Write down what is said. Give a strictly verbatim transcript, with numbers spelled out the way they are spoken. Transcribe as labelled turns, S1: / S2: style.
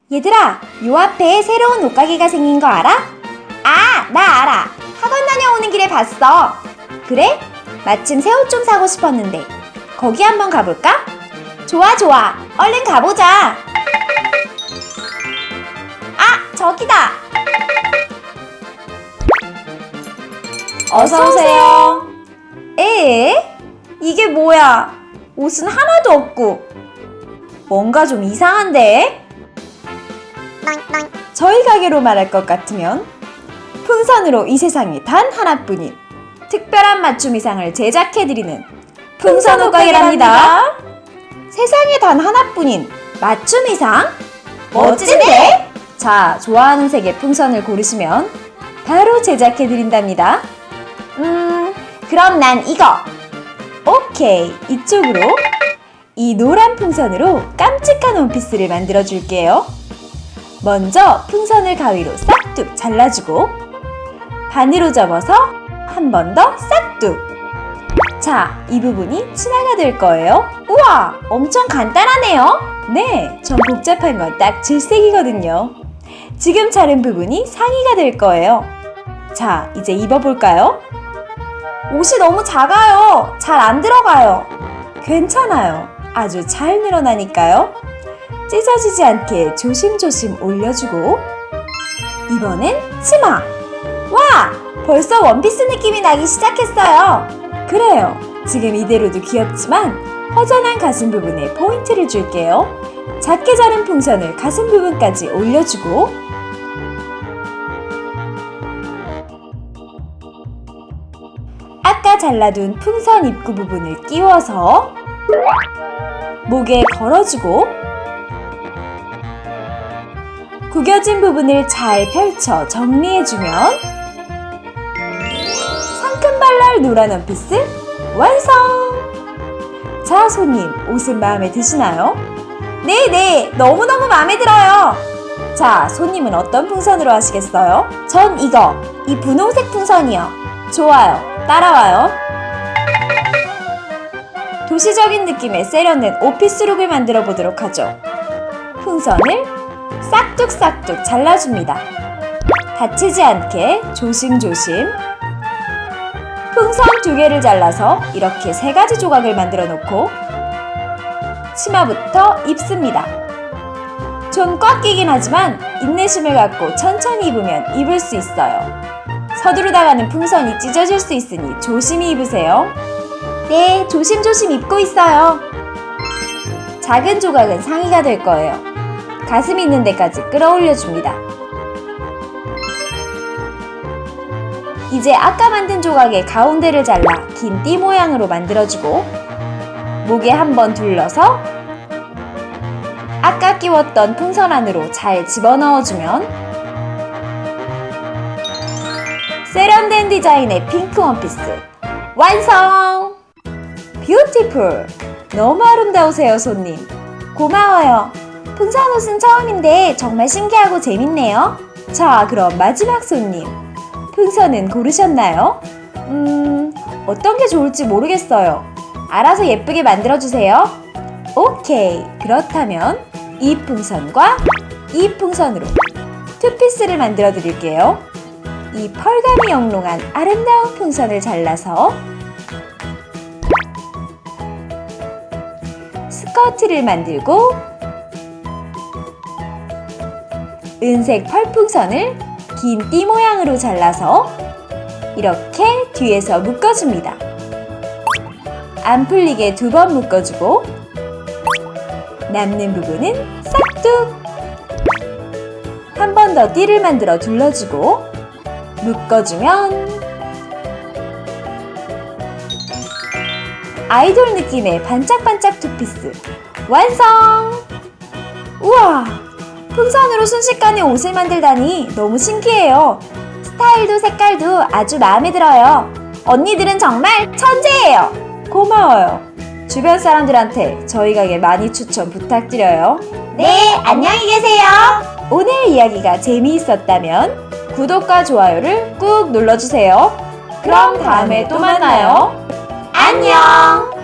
S1: 얘들아, 요 앞에 새로운 옷가게가 생긴 거 알아? 아, 나 알아. 학원 다녀오는 길에 봤어. 그래? 마침 새 옷 좀 사고 싶었는데 거기 한번 가볼까? 좋아 좋아, 얼른 가보자. 아, 저기다. 어서오세요. 에? 이게 뭐야? 옷은 하나도 없고 뭔가 좀 이상한데? 저희 가게로 말할 것 같으면 풍선으로 이 세상에 단 하나뿐인 특별한 맞춤 이상을 제작해드리는 풍선 옷가게랍니다. 세상에 단 하나뿐인 맞춤 이상? 멋진데? 자, 좋아하는 색의 풍선을 고르시면 바로 제작해드린답니다. 음, 그럼 난 이거. 오케이, 이쪽으로. 이 노란 풍선으로 깜찍한 원피스를 만들어줄게요. 먼저 풍선을 가위로 싹둑 잘라주고 반으로 접어서 한 번 더 싹둑. 자, 이 부분이 치마가 될 거예요. 우와, 엄청 간단하네요. 네, 전 복잡한 건 딱 질색이거든요. 지금 자른 부분이 상의가 될 거예요. 자, 이제 입어볼까요? 옷이 너무 작아요. 잘 안 들어가요. 괜찮아요. 아주 잘 늘어나니까요. 찢어지지 않게 조심조심 올려주고 이번엔 치마. 와! 벌써 원피스 느낌이 나기 시작했어요. 그래요. 지금 이대로도 귀엽지만 허전한 가슴 부분에 포인트를 줄게요. 작게 자른 풍선을 가슴 부분까지 올려주고 아까 잘라둔 풍선 입구 부분을 끼워서 목에 걸어주고 구겨진 부분을 잘 펼쳐 정리해주면 상큼발랄 노란 원피스 완성! 자, 손님, 옷은 마음에 드시나요? 네네, 너무너무 마음에 들어요. 자, 손님은 어떤 풍선으로 하시겠어요? 전 이거, 이 분홍색 풍선이요. 좋아요, 따라와요. 도시적인 느낌의 세련된 오피스룩을 만들어 보도록 하죠. 풍선을 싹둑싹둑 잘라줍니다. 다치지 않게 조심조심. 풍선 두 개를 잘라서 이렇게 세 가지 조각을 만들어 놓고 치마부터 입습니다. 좀 꽉 끼긴 하지만 인내심을 갖고 천천히 입으면 입을 수 있어요. 서두르다가는 풍선이 찢어질 수 있으니 조심히 입으세요. 네, 조심조심 입고 있어요. 작은 조각은 상의가 될 거예요. 가슴 있는 데까지 끌어올려줍니다. 이제 아까 만든 조각의 가운데를 잘라 긴 띠 모양으로 만들어주고 목에 한번 둘러서 아까 끼웠던 풍선 안으로 잘 집어넣어주면 세련된 디자인의 핑크 원피스 완성! 뷰티풀! 너무 아름다우세요, 손님. 고마워요. 풍선 옷은 처음인데 정말 신기하고 재밌네요. 자, 그럼 마지막 손님. 풍선은 고르셨나요? 음, 어떤 게 좋을지 모르겠어요. 알아서 예쁘게 만들어주세요. 오케이, 그렇다면 이 풍선과 이 풍선으로 투피스를 만들어 드릴게요. 이 펄감이 영롱한 아름다운 풍선을 잘라서 스커트를 만들고 은색 펄풍선을 긴 띠 모양으로 잘라서 이렇게 뒤에서 묶어줍니다. 안 풀리게 두 번 묶어주고 남는 부분은 싹둑! 한 번 더 띠를 만들어 둘러주고 묶어주면 아이돌 느낌의 반짝반짝 투피스 완성! 우와! 풍선으로 순식간에 옷을 만들다니 너무 신기해요. 스타일도 색깔도 아주 마음에 들어요. 언니들은 정말 천재예요. 고마워요. 주변 사람들한테 저희 가게 많이 추천 부탁드려요. 네, 안녕히 계세요. 오늘 이야기가 재미있었다면 구독과 좋아요를 꾹 눌러주세요. 그럼 다음에 또 만나요. 안녕!